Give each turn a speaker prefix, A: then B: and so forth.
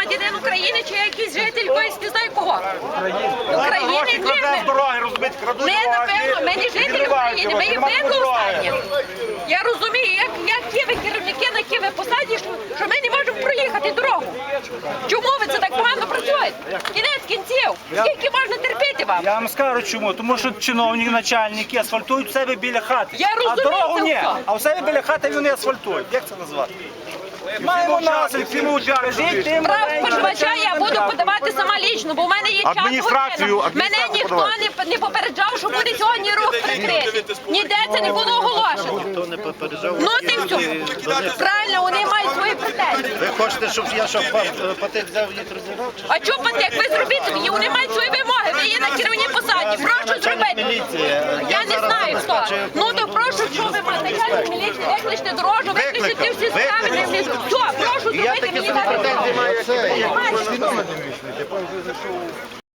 A: громадянин України чи якийсь житель якоїсь не знаю кого. України
B: Крадуть дороги, розбити, крадуть
A: ми,
B: дороги.
A: напевно, ми не жителі України, ми є використані. Я розумію, які ви керівники на які ви посаді, що ми не можемо проїхати дорогу. Чому ви це так погано працюєте? Кінець кінців. Скільки можна терпіти вам?
B: Я вам скажу чому. Тому що чиновники, начальники асфальтують в себе біля хати.
A: Я розумію
B: а дорогу
A: це
B: ні.
A: все.
B: А в себе біля хати вони асфальтують. Як це назвати? Маємо наслідки.
A: Прав споживача я буду подавати сама лічно, бо в мене є час година. Мене ніхто не попереджав, що буде сьогодні рух прикритий. Ніде це не було оголошено.
C: Ніхто не попереджав.
A: Ну ти все. Правильно, вони мають свої претензії.
C: Ви хочете, щоб я патик взяв їх розірвав?
A: А чого патек? Ви зробіть собі, вони мають свої вимоги, ви є на керівній посаді. Прошу зробити. Я не знаю хто. Ну то прошу, що ви маєте? Начальник міліції, викличте дорожу, викличте всі справи. Все, прошу
C: Я
A: зробити
C: такі
A: мені
C: претензії маю, як і ви.
A: так.